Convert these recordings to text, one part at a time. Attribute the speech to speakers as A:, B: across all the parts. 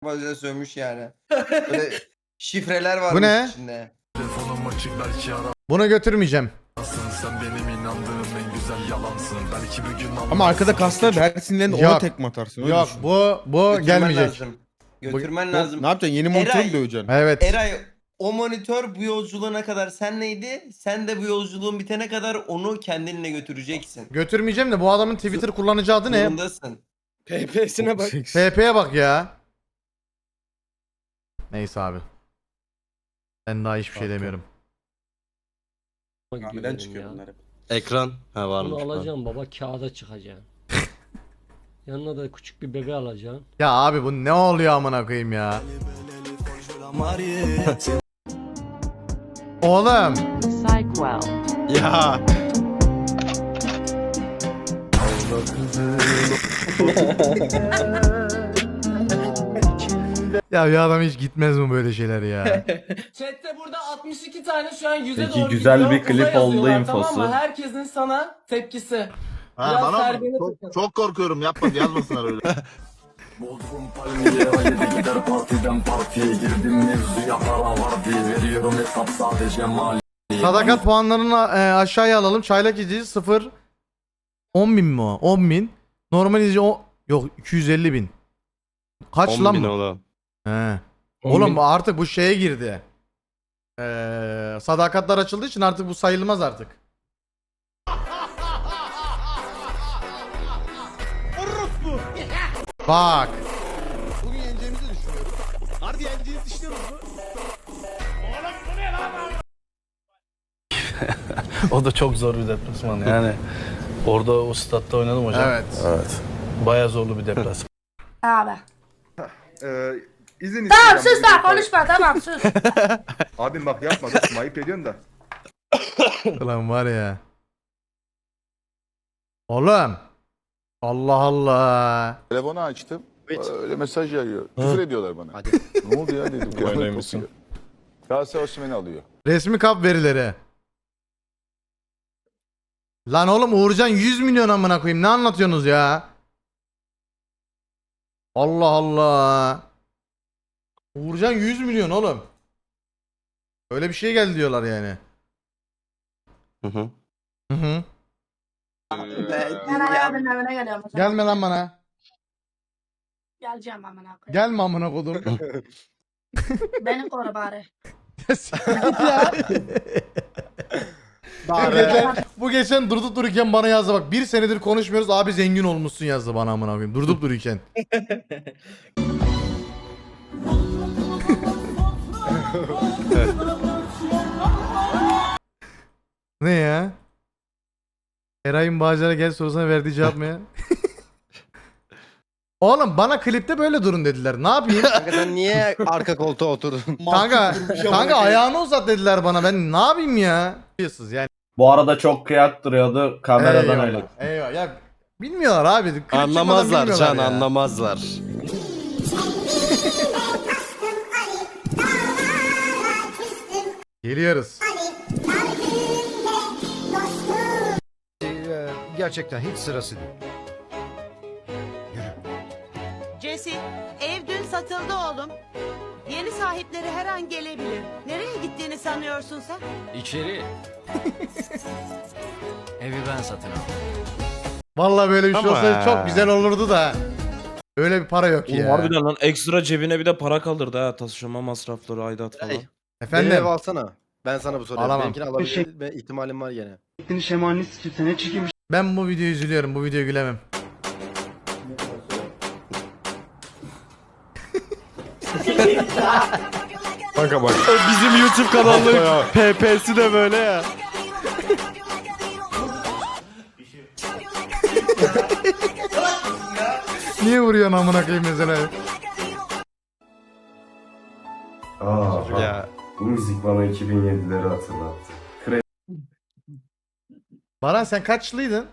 A: Bazen sövmüş yani. Böyle şifreler var
B: Bu ne?
A: içinde.
C: Telefonum açık belki
B: Bunu götürmeyeceğim.
C: arasın. Sen benim inandığım en güzel yalansın. Belki bir gün
D: Ama arkada kaslar her sinirlerinde ona
B: Yok.
D: tekme atarsın. öyle
B: Yok
D: düşün.
B: bu
A: Götürmen
B: gelmeyecek.
A: lazım. Götürmen
D: Bu-
A: lazım.
D: Ne yapacaksın? Yeni monitörü
A: Eray-
D: mü döveceksin?
B: Evet.
A: Eray o monitör bu yolculuğuna kadar senleydi. Sen de bu yolculuğun bitene kadar onu kendinle götüreceksin.
B: Götürmeyeceğim de bu adamın Twitter kullanıcı adı ne?
A: Zorundasın.
E: PP'sine bak.
B: FP'ye bak ya. Neyse abi. Ben daha hiçbir şey demiyorum.
D: Neden çıkıyor bunlar hep?
F: Ekran. Ha varmış.
E: Bunu alacağım baba, kağıda çıkacaksın. Yanına da küçük bir bebe alacaksın.
B: Ya abi bu ne oluyor amına koyayım ya. Oğlum.
G: Psychwell.
F: Ya.
B: Ya bir adam hiç gitmez mi böyle şeyler ya?
H: Chat'te burada 62 tane şu an yüze
I: Peki,
H: doğru
I: güzel
H: gidiyor.
I: bir klip
H: Uza
I: oldu
H: yazıyorlar,
I: infosu.
H: Tamam mı? Herkesin sana tepkisi.
J: Ha,
H: Biraz
J: bana mı?
H: terbiyeni
J: Çok,
H: takın.
J: çok korkuyorum yapma yazmasınlar öyle.
C: Bodrum palmiye haydi gider partiden partiye girdim mevzuya para var diye veriyorum hesap sadece mali.
B: Sadakat puanlarını aşağıya alalım. Çaylak izleyici 0. 10 bin mi o? 10 bin. Normal izleyici yok 250 bin. Kaç
F: 10
B: lan
F: bin
B: bu?
F: oğlum.
B: He. Oğlum bu artık bu şeye girdi. Sadakatler açıldığı için artık bu sayılmaz artık. Bak.
D: Bugün yeneceğimizi düşünüyorum. Harbi yeneceğimizi düşünüyoruz mu?
I: O da çok zor bir deplasman yani. Orada o statta oynadım hocam.
B: Evet.
I: Bayağı zorlu bir deplasman.
G: Abi.
J: İzin
G: Tamam sus lan konuşma tamam sus.
J: Abim bak yapma dostum ayıp ediyorsun da.
B: Ulan var ya. Oğlum. Allah Allah.
J: Telefonu açtım. Öyle mesaj yağıyor. Küfür ediyorlar bana. Ne oldu ya dedim. Kıyafet kokuyor. Galatasaray Osimhen'i alıyor.
B: Resmi kap verileri. Lan oğlum Uğurcan 100 milyon amına koyayım. Ne anlatıyorsunuz ya? Allah Allah. Uğurcan 100 milyon oğlum. Öyle bir şey geldi diyorlar yani.
F: Hı hı.
B: Hı hı.
G: Ben Ali abinin evine geliyorum. o zaman.
B: Gelme lan bana.
G: Geleceğim amına koyayım.
B: Gelme amına kodum.
G: Beni koru bari.
B: Bu geçen durup dururken bana yazdı bak. Bir senedir konuşmuyoruz abi zengin olmuşsun yazdı bana amına koyayım. Durup dururken. Ne ya? Eray'ın Bağcılar'a gel sorusuna verdiği cevap mı ya? Oğlum bana klipte böyle durun dediler. Ne yapayım?
F: Kanka sen niye arka koltuğa oturdun?
B: kanka ayağını uzat dediler bana. Ben ne yapayım ya? Biliyorsunuz yani.
I: Bu arada çok kıyak duruyordu kameradan
B: Eyvallah,
I: öyle.
B: eyvallah. Ya bilmiyorlar abi. Klip çıkmadan
F: Anlamazlar
B: bilmiyorlar
F: Can
B: ya.
F: anlamazlar.
B: Geliyoruz.
K: Gerçekten hiç sırası değil.
H: Jesse, ev dün satıldı oğlum. Yeni sahipleri her an gelebilir. Nereye gittiğini sanıyorsun sen?
K: İçeri. Evi ben satın aldım.
B: Vallahi böyle bir şey
F: Ama
B: olsaydı
F: ya.
B: çok güzel olurdu da. Öyle bir para yok
L: Oğlum
B: ya.
L: harbiden lan ekstra cebine bir de para kaldırdı ha taşıma masrafları aidat falan.
F: Hey.
B: Efendim.
F: alsana. Ben sana bu soruyu.
B: Alamam.
F: Benimkini alabilme ihtimalim var gene.
B: Ben bu videoyu üzülüyorum. Bu videoya gülemem.
D: Kanka bak.
F: Bizim YouTube kanalının PP'si de böyle ya.
B: Niye vuruyorsun amına koyayım mesela?
F: Ya.
I: Bu müzik bana 2007'leri hatırlattı.
B: Baran sen kaçlıydın?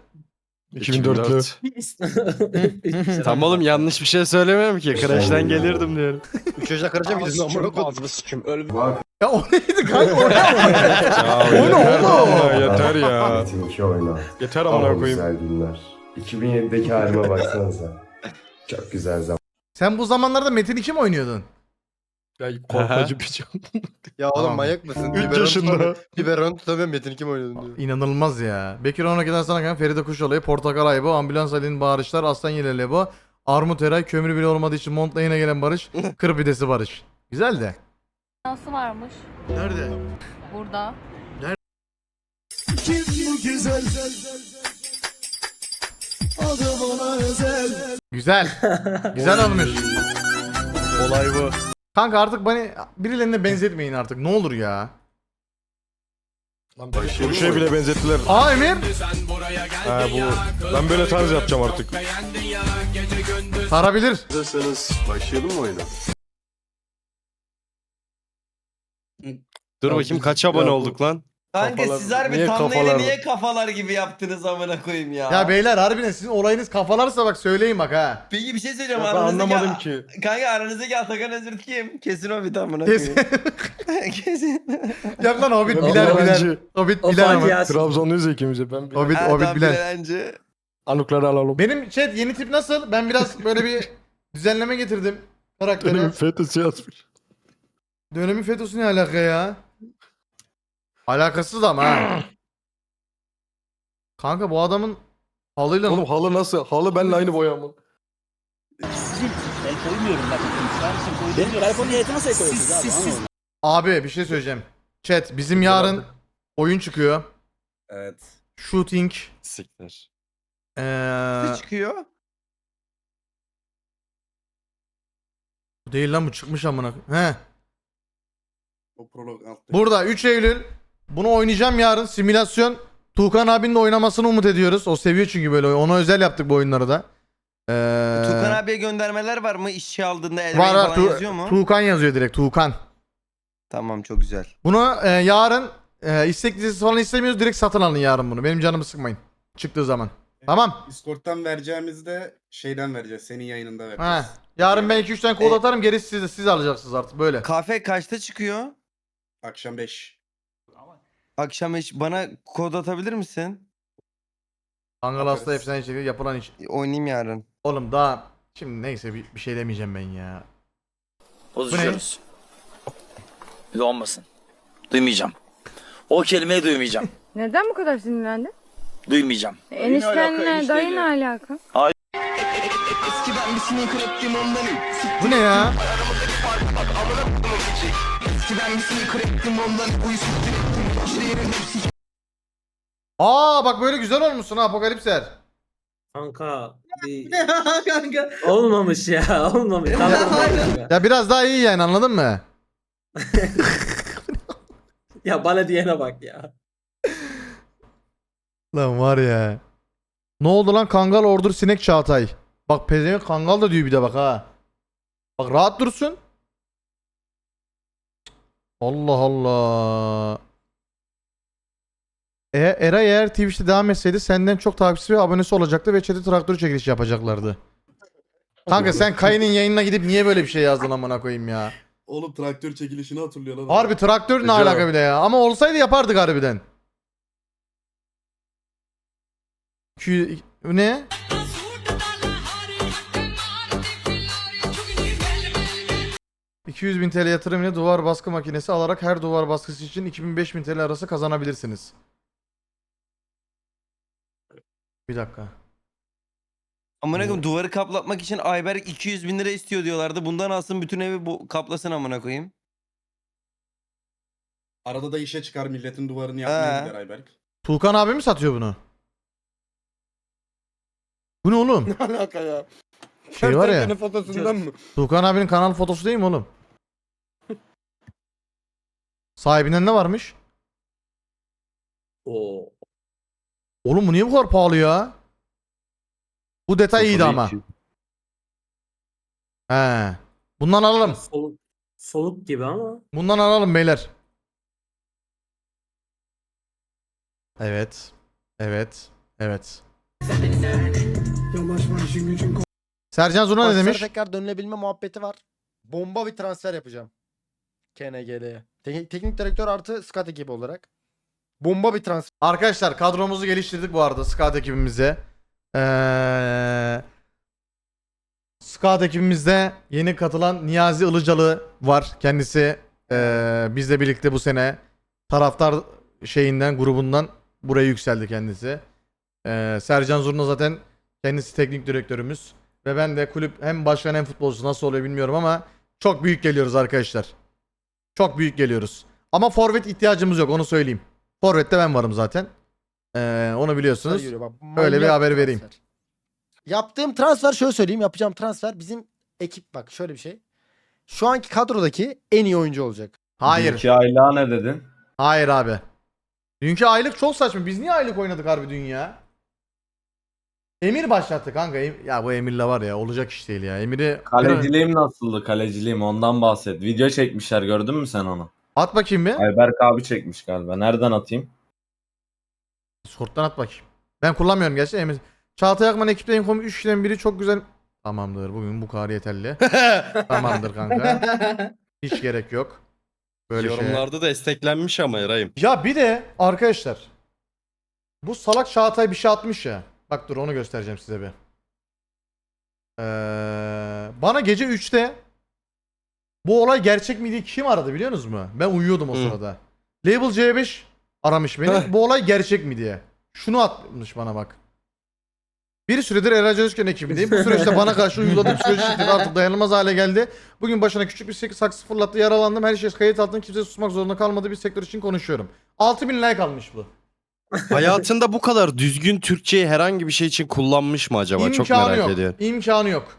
F: 2004. Tam oğlum yanlış bir şey söylemiyorum ki. Crash'ten gelirdim diyorum. 3 yaşına karışa gidiyorsun amına koydum.
B: Ya o neydi kanka? O ne?
D: O
B: ne oldu?
D: Yeter ya.
I: Metin oynar.
D: Yeter amına koyayım.
I: Güzel günler. 2007'deki halime baksanıza. Çok güzel zaman.
B: Sen bu zamanlarda Metin 2 mi oynuyordun?
F: Ya korkmacı bir şey.
D: Ya oğlum
B: Tamam.
D: manyak mısın?
F: 3 yaşında.
D: Biberon tutamıyorum Metin kim oynadın diyor.
B: İnanılmaz ya. Bekir 12'den sonra kan Feride Kuşolay'ı, Portakal Aybo, Ambulans Ali'nin bağırışlar, Aslan Yeleli Lebo, Armut Eray, kömür bile olmadığı için montla yine gelen Barış, kır pidesi Barış. Güzel de.
G: Nasıl varmış?
B: Nerede?
G: Burada.
B: Güzel. Güzel olmuş.
F: Olay bu.
B: Kanka artık beni birilerine benzetmeyin artık. Ne olur ya.
F: Bu şey bile benzettiler.
B: Aa Emir.
F: Ha bu. Ben böyle tarz yapacağım artık.
B: Sarabilir.
J: Hazırsanız başlayalım mı oyuna?
F: Dur bakayım kaç abone olduk lan?
A: Kanka
F: Kafalar-
A: siz harbi
F: niye
A: thumbnail'i
F: kafalar-
A: niye kafalar gibi yaptınız amına koyayım ya.
B: Ya beyler harbiden sizin olayınız kafalarsa bak söyleyin bak ha.
A: Peki bir şey söyleyeceğim.
F: Ben
A: aranızdaki-
F: anlamadım ki.
A: Kanka aranızdaki Atakan Özürt kim? Kesin o bir amına
B: Kesin.
A: koyayım. Kesin.
B: Yok lan Hobbit
F: Ben
B: bilen bilen.
F: öğrenci.
B: Hobbit bilen ama.
F: Trabzonluyuz ya ikimiz de. Ben
B: Hobbit,
A: Ha,
B: Hobbit
A: tamam,
B: bilen.
A: bence.
F: anıkları alalım.
B: Benim chat yeni tip nasıl? Ben biraz böyle bir düzenleme getirdim karaktere.
F: Benim FETÖ'sü yazmış.
B: Dönemin FETÖ'sü ne alaka ya? Alakasız ama ha. Kanka bu adamın halıyla...
F: Oğlum halı nasıl? Halı benimle aynı boya mı?
B: Abi bir şey söyleyeceğim. Chat bizim yarın oyun çıkıyor.
J: Evet.
B: Shooting.
F: Siktir.
A: Ne çıkıyor?
B: Bu değil lan bu çıkmış amına. He.
J: O prolog altta.
B: Burada 3 Eylül. Bunu oynayacağım yarın. Simülasyon. Tuğkan abinin de oynamasını umut ediyoruz. O seviyor çünkü böyle oyun. Ona özel yaptık bu oyunları da.
A: Tukan abiye göndermeler var mı? İşçi aldığında Elvin
B: Var
A: falan
B: var.
A: yazıyor mu?
B: Tuğkan yazıyor direkt. Tuğkan.
A: Tamam çok güzel.
B: Bunu yarın istek listesi falan istemiyoruz. Direkt satın alın yarın bunu. Benim canımı sıkmayın. Çıktığı zaman. Tamam.
J: Discord'dan vereceğimizde şeyden vereceğiz. Senin yayınında
B: He.
J: vereceğiz.
B: Yarın ben 2-3 tane kod atarım. Gerisi siz alacaksınız artık böyle.
A: Kafe kaçta çıkıyor?
J: Akşam 5.
A: Akşam bana kod atabilir misin?
B: Kangal hasta efsane şekilde yapılan iş.
A: Oynayayım yarın.
B: Oğlum daha şimdi neyse bir şey demeyeceğim ben ya.
K: Bozuşuyoruz. Bir de olmasın. Duymayacağım. O kelimeyi duymayacağım.
G: Neden bu kadar sinirlendin?
K: Duymayacağım.
G: Eniştenle dayı ne alaka?
B: Bu ne ya? Aa bak böyle güzel olmuşsun ha Apokalipser.
E: Kanka. Kanka. Olmamış ya. Olmamış.
B: Ya biraz daha iyi yani anladın mı?
E: Ya bana diyene bak ya.
B: Lan var ya. Ne oldu lan Kangal Ordur Sinek Çağatay. Bak pezevenk Kangal da diyor bir de bak ha. Bak rahat dursun. Allah Allah. Eray eğer Twitch'te devam etseydi senden çok takipçisi ve abonesi olacaktı ve chat'e traktör çekilişi yapacaklardı. Kanka sen Kayı'nın yayınına gidip niye böyle bir şey yazdın amına koyayım ya.
J: Oğlum traktör çekilişini hatırlıyor lan.
B: Harbi traktör ne alaka bile ya. Ama olsaydı yapardık harbiden. Ne? ...200.000 TL yatırım ile duvar baskı makinesi alarak her duvar baskısı için 2000-5000 TL arası kazanabilirsiniz. Bir dakika.
A: Amına koyayım duvarı kaplatmak için Ayberk 200.000 lira istiyor diyorlardı. Bundan alsın bütün evi kaplasın amına koyayım.
J: Arada da işe çıkar milletin duvarını
A: yapmaya
J: yapmaya
A: gider
J: gider Ayberk.
B: Tuğkan abi mi satıyor bunu? Bu ne oğlum?
D: Ne alaka ya?
B: Şey var ya.
D: Kertenkele fotosundan mı?
B: Tuğkan abinin kanal fotosu değil mi oğlum? Sahibinden ne varmış?
E: Oo.
B: Oğlum bu niye bu kadar pahalı ya? Bu detay iyiydi ama. He. Bundan alalım.
E: Soluk gibi ama.
B: Bundan alalım beyler. Evet. Evet. Evet. Sercan Zuna ne
D: Maçlara
B: demiş?
D: tekrar dönülebilme muhabbeti var. Bomba bir transfer yapacağım. KNGL'ye. Teknik direktör artı scout ekibi olarak. Bomba bir transfer.
B: Arkadaşlar kadromuzu geliştirdik bu arada scout ekibimize. Scout ekibimizde yeni katılan Niyazi Ilıcalı var. Kendisi bizle birlikte bu sene taraftar grubundan buraya yükseldi kendisi. Sercan Zurna zaten kendisi teknik direktörümüz. Ve ben de kulüp hem başkan hem futbolcusu, nasıl oluyor bilmiyorum ama çok büyük geliyoruz arkadaşlar. Çok büyük geliyoruz. Ama forvet ihtiyacımız yok, onu söyleyeyim. Forvet'te ben varım zaten. Onu biliyorsunuz.
D: Yürüyor, bak,
B: Öyle bir
D: manyak
B: haber
D: transfer.
B: vereyim.
D: Yaptığım transfer, şöyle söyleyeyim, yapacağım transfer bizim ekip, bak şöyle bir şey. Şu anki kadrodaki en iyi oyuncu olacak.
B: Hayır.
I: Dünkü aylığa ne dedin?
B: Hayır abi. Dünkü aylık çok saçma. Biz niye aylık oynadık harbi dün ya? Emir başlattı kanka. Ya bu Emir'le var ya, olacak iş değil ya. Emir'i
I: Kaleciliğim nasıldı? Kaleciliğim ondan bahset. Video çekmişler, gördün mü sen onu?
B: at bakayım bir.
I: Ayberk abi çekmiş galiba. Nereden atayım?
B: Discord'dan at bakayım. Ben kullanmıyorum gerçi Emir. Çağatay Akman ekipte en komik 3 kişiden biri, çok güzel. Tamamdır, bugün bu kadar yeterli. Tamamdır kanka. Hiç gerek yok. Böyle şey.
F: Yorumlarda da desteklenmiş ama Eray'ım.
B: Ya bir de arkadaşlar, bu salak Çağatay bir şey atmış ya. Bak dur, onu göstereceğim size bir. Bana gece 3'te bu olay gerçek mi diye kim aradı biliyor musunuz mu? Ben uyuyordum o sırada. Label C5 aramış beni. Bu olay gerçek mi diye. Şunu atmış bana bak. Bir süredir Eray Özken ekibindeyim. Bu süreçte bana karşı uyguladığım psikolojik şiddet artık dayanılmaz hale geldi. Bugün başına küçük bir saksı fırlattı, yaralandım. Her şey kayıt altında, kimse susmak zorunda kalmadığı bir sektör için konuşuyorum. 6000 like almış bu.
F: Hayatında bu kadar düzgün Türkçeyi herhangi bir şey için kullanmış mı acaba? Çok
B: İmkanı
F: merak
B: yok.
F: ediyorum.
B: İmkanı yok.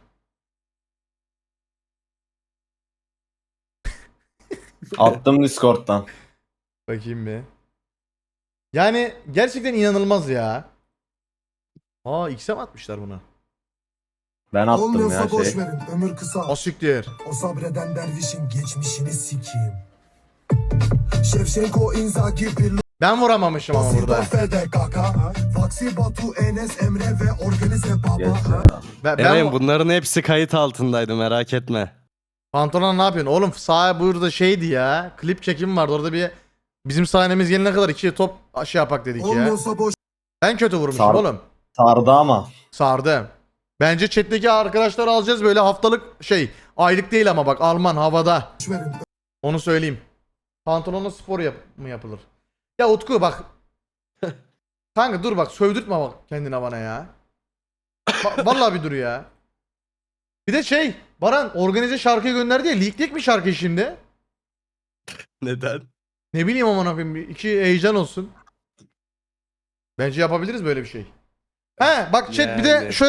I: Attım Discord'dan.
B: Bakayım bir. Yani gerçekten inanılmaz ya. Aa, X'e mi atmışlar bunu?
I: Ben attım ya
C: boş
I: şey.
C: verin, ömür kısa.
B: Asiktir.
C: O sabreden dervişin geçmişini sikeyim. Şevşenko, Inzaghi, Pirlo,
B: Ben vuramamışım ama burada.
C: Fede, Kaka, Faksi, Batu, Enes, Emre ve organize
I: Geç
C: baba.
I: ya.
F: Eray'ım bunların hepsi kayıt altındaydı, merak etme.
B: Pantolon ne yapıyorsun? Oğlum sahaya burada şeydi ya. Klip çekimi vardı. Orada bir bizim sahnemiz gelene kadar 2 top şey yapak dedik ya.
C: Olmuyorsa boş.
B: Ben kötü vurmuşum
I: Sar-
B: oğlum.
I: Sardı ama.
B: Sardı. Bence chat'teki arkadaşlar alacağız böyle haftalık şey. Aylık değil ama bak, Alman havada.
C: verin.
B: Onu söyleyeyim. Pantolonla spor mı yapılır? Ya Utku bak. Kanka dur bak, sövdürtme bak kendine bana ya. Vallahi bir dur ya. Bir de şey, Baran organize şarkıyı gönderdi ya. Leaklik mi şarkı şimdi?
F: Neden?
B: Ne bileyim amına koyayım, iki heyecan olsun. Bence yapabiliriz böyle bir şey. He bak chat, bir de
F: Yani.
B: şöyle